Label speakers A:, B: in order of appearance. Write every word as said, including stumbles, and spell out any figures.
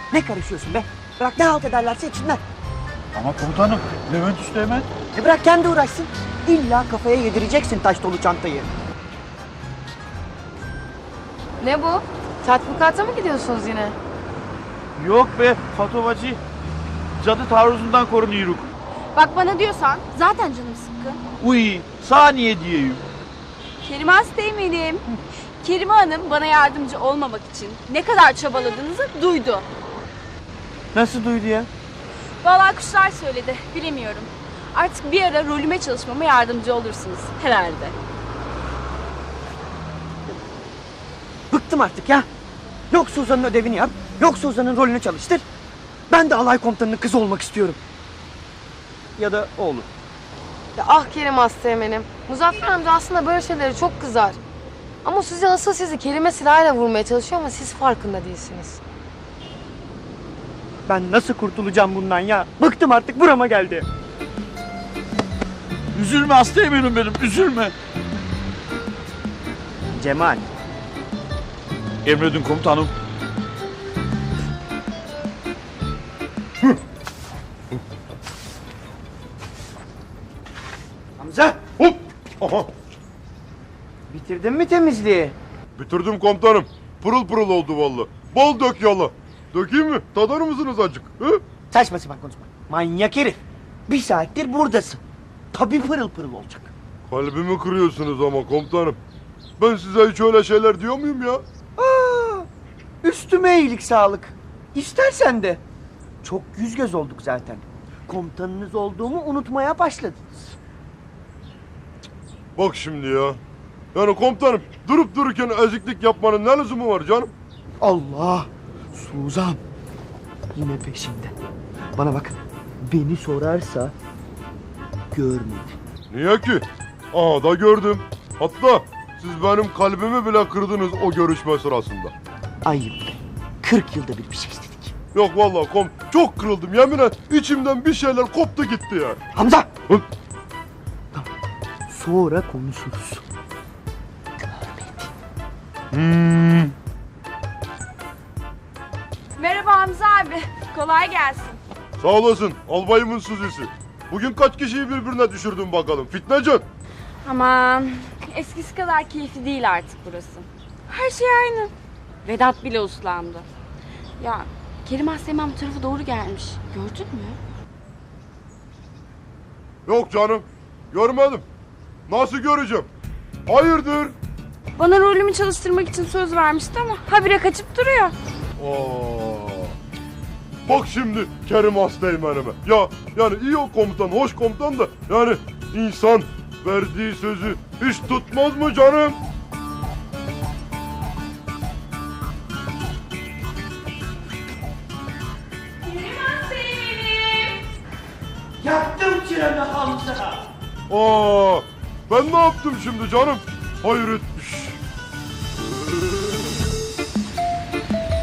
A: Ne karışıyorsun be? Bırak ne halt ederlerse etsinler.
B: Ama komutanım, Levent Üsteğmen.
A: E bırak kendi uğraşsın. İlla kafaya yedireceksin taş dolu çantayı.
C: Ne bu? Tatbikata mı gidiyorsunuz yine?
B: Yok be Fatovacı. Cadı taarruzundan korunuyoruz.
D: Bak bana diyorsan zaten canım sıkkın.
B: Uy, saniye diyeyim.
D: Kerime Asteğmen'im. Kerime Hanım bana yardımcı olmamak için ne kadar çabaladığınızı duydu.
B: Nasıl duydu ya?
D: Vallahi kuşlar söyledi, bilemiyorum. Artık bir ara rolüme çalışmama yardımcı olursunuz herhalde.
A: Bıktım artık ya. Yok Suzan'ın ödevini yap, yok Suzan'ın rolünü çalıştır. Ben de alay komutanının kızı olmak istiyorum. Ya da oğlu.
C: Ya ah Kerim Asteğmen'im. Muzaffer amca aslında böyle şeylere çok kızar. Ama sizi asıl sizi kelime silahıyla vurmaya çalışıyor ama siz farkında değilsiniz.
A: Ben nasıl kurtulacağım bundan ya? Bıktım artık, burama geldi.
B: Üzülme Asteğmen'im benim, üzülme.
A: Cemal.
B: Emredin komutanım.
A: Hamza.
E: Hop! Aha!
A: Bitirdin mi temizliği?
E: Bitirdim komutanım. Pırıl pırıl oldu vallahi. Bol dök yala. Dökeyim mi? Tadar mısınız acık? Hı?
A: Saçma sapan konuşma. Manyak herif. Bir saattir buradasın. Tabii pırıl pırıl olacak.
E: Kalbimi kırıyorsunuz ama komutanım. Ben size hiç öyle şeyler diyor muyum ya?
A: Aa, üstüme iyilik sağlık. İstersen de. Çok yüz göz olduk zaten. Komutanınız olduğumu unutmaya başladınız.
E: Bak şimdi ya. Yani komutanım durup dururken eziklik yapmanın ne lüzumu var canım?
A: Allah! Suzan! Yine peşinde. Bana bak. Beni sorarsa görmedi.
E: Niye ki? Aa da gördüm. Hatta siz benim kalbimi bile kırdınız o görüşme sırasında.
A: Ayıp. Kırk yılda bir bir şey istedik.
E: Yok vallahi kom çok kırıldım yemin et. İçimden bir şeyler koptu gitti ya.
A: Hamza!
E: Hı?
A: Tamam. Sonra konuşuruz.
E: Hmm.
D: Merhaba Hamza abi, kolay gelsin.
E: Sağ olasın albayımın Suzisi. Bugün kaç kişiyi birbirine düşürdün bakalım fitnecen.
D: Aman, eskisi kadar keyifli değil artık burası. Her şey aynı. Vedat bile uslandı. Ya Kerim Asteğmen bu tarafa doğru gelmiş. Gördün mü?
E: Yok canım görmedim. Nasıl göreceğim? Hayırdır?
D: Bana rolümü çalıştırmak için söz vermişti ama habire kaçıp duruyor.
E: Aa. Bak şimdi Kerim Asteğmen'ime. Ya yani iyi o komutan, hoş komutan da yani insan verdiği sözü hiç tutmaz mı canım?
D: Kerim Asteğmen'im.
A: Yaktım çıranı Hamza!
E: Aa, ben ne yaptım şimdi canım? Hayret.